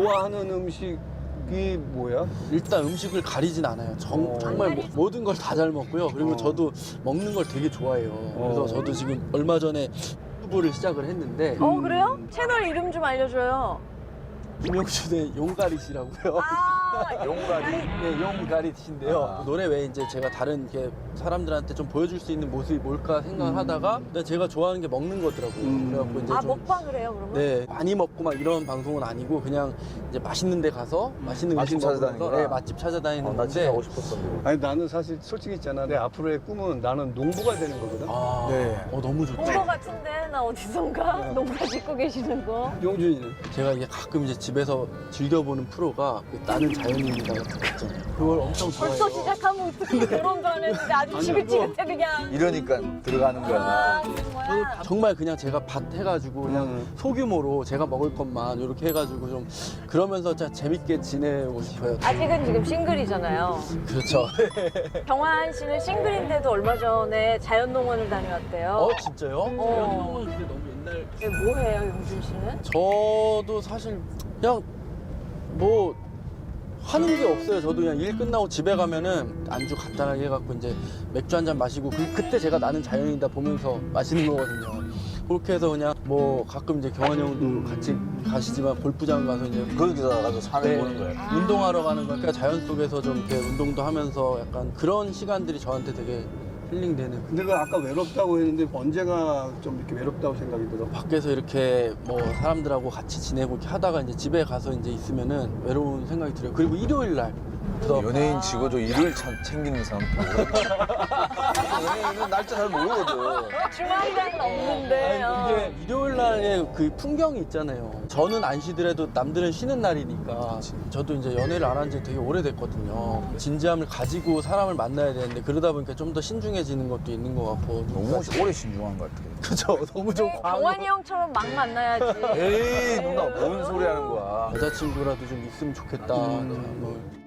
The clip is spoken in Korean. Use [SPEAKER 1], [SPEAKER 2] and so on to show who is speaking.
[SPEAKER 1] 좋아하는 음식이 뭐야?
[SPEAKER 2] 일단 음식을 가리진 않아요. 정말 모든 걸 다 잘 먹고요. 그리고 저도 먹는 걸 되게 좋아해요. 그래서 저도 지금 얼마 전에 유튜브를 시작을 했는데
[SPEAKER 3] 그래요? 채널 이름 좀 알려줘요.
[SPEAKER 2] 김용준의 용가릿이라고요.
[SPEAKER 3] 용가리.
[SPEAKER 2] 네, 용가릿인데요. 노래 외에 이제 제가 다른 이렇게 사람들한테 좀 보여줄 수 있는 모습이 뭘까 생각을 하다가 그냥 제가 좋아하는 게 먹는 거더라고요. 그래갖고 이제 좀
[SPEAKER 3] 먹방을 해요, 그러면?
[SPEAKER 2] 네, 많이 먹고 막 이런 방송은 아니고 그냥 이제 맛있는 데 가서 맛있는 음식
[SPEAKER 4] 맛집 찾아다니는
[SPEAKER 2] 먹으면서
[SPEAKER 4] 거야?
[SPEAKER 2] 네, 맛집 찾아다니는
[SPEAKER 4] 나 진짜
[SPEAKER 2] 건데
[SPEAKER 4] 가고 싶었었는데.
[SPEAKER 1] 아니 나는 사실 솔직히 있잖아. 내 앞으로의 꿈은 나는 농부가 되는 거거든.
[SPEAKER 2] 아,
[SPEAKER 4] 네.
[SPEAKER 2] 너무 좋죠.
[SPEAKER 3] 본 거 같은데 나 어디선가 농가 짓고 계시는 거.
[SPEAKER 1] 용준이는?
[SPEAKER 2] 제가 이게 가끔 이제 집에서 즐겨보는 프로가 그 나는 자연인이다 같은 거 있잖아요. 그걸 엄청 좋아해요.
[SPEAKER 3] 벌써 시작하면 어떻게 결혼도 안 했는데 아주 지긋지긋해 그냥.
[SPEAKER 4] 이러니까 들어가는 거야.
[SPEAKER 3] 그런 거야.
[SPEAKER 2] 정말 그냥 제가 밭 해가지고 그냥 소규모로 제가 먹을 것만 이렇게 해가지고 좀 그러면서 진짜 재밌게 지내고 싶어요.
[SPEAKER 3] 아직은 지금 싱글이잖아요.
[SPEAKER 2] 그렇죠.
[SPEAKER 3] 경환 씨는 싱글인데도 얼마 전에 자연농원을 다녀왔대요.
[SPEAKER 2] 진짜요?
[SPEAKER 3] 어.
[SPEAKER 2] 근데 너무 옛날.
[SPEAKER 3] 이게 뭐예요, 용준 씨는?
[SPEAKER 2] 저도 사실 그냥 뭐 하는 게 없어요. 저도 그냥 일 끝나고 집에 가면은 안주 간단하게 해갖고 이제 맥주 한 잔 마시고 그때 제가 나는 자연이다 보면서 마시는 거거든요. 그렇게 해서 그냥 뭐 가끔 이제 경환 형도 같이 가시지만 골프장 가서 이제
[SPEAKER 4] 거기서 가서 산을 보는 거야.
[SPEAKER 2] 운동하러 가는 거니까 자연 속에서 좀 이렇게 운동도 하면서 약간 그런 시간들이 저한테 되게 힐링되는.
[SPEAKER 1] 근데 그 아까 외롭다고 했는데 언제가 좀 이렇게 외롭다고 생각이 들어?
[SPEAKER 2] 밖에서 이렇게 뭐 사람들하고 같이 지내고 이렇게 하다가 이제 집에 가서 이제 있으면은 외로운 생각이 들어요. 그리고 일요일 날. 그래서
[SPEAKER 4] 연예인 치고도 일을 챙기는 사람도 연예인은 날짜 잘 모르거든.
[SPEAKER 3] 주말이란 없는데.
[SPEAKER 2] 그게 일요일 날에 그 풍경이 있잖아요. 저는 안 쉬더라도 남들은 쉬는 날이니까. 저도 이제 연애를 안 한 지 되게 오래됐거든요. 진지함을 가지고 사람을 만나야 되는데 그러다 보니까 좀 더 신중해지는 것도 있는 것 같고.
[SPEAKER 4] 너무 오래 신중한 것 같아.
[SPEAKER 2] 그죠? 너무 좀 과한 거.
[SPEAKER 3] 경환이 형처럼 막 만나야지.
[SPEAKER 4] 에이 누나 뭔 소리 하는 거야.
[SPEAKER 2] 여자친구라도 좀 있으면 좋겠다. 그냥 뭐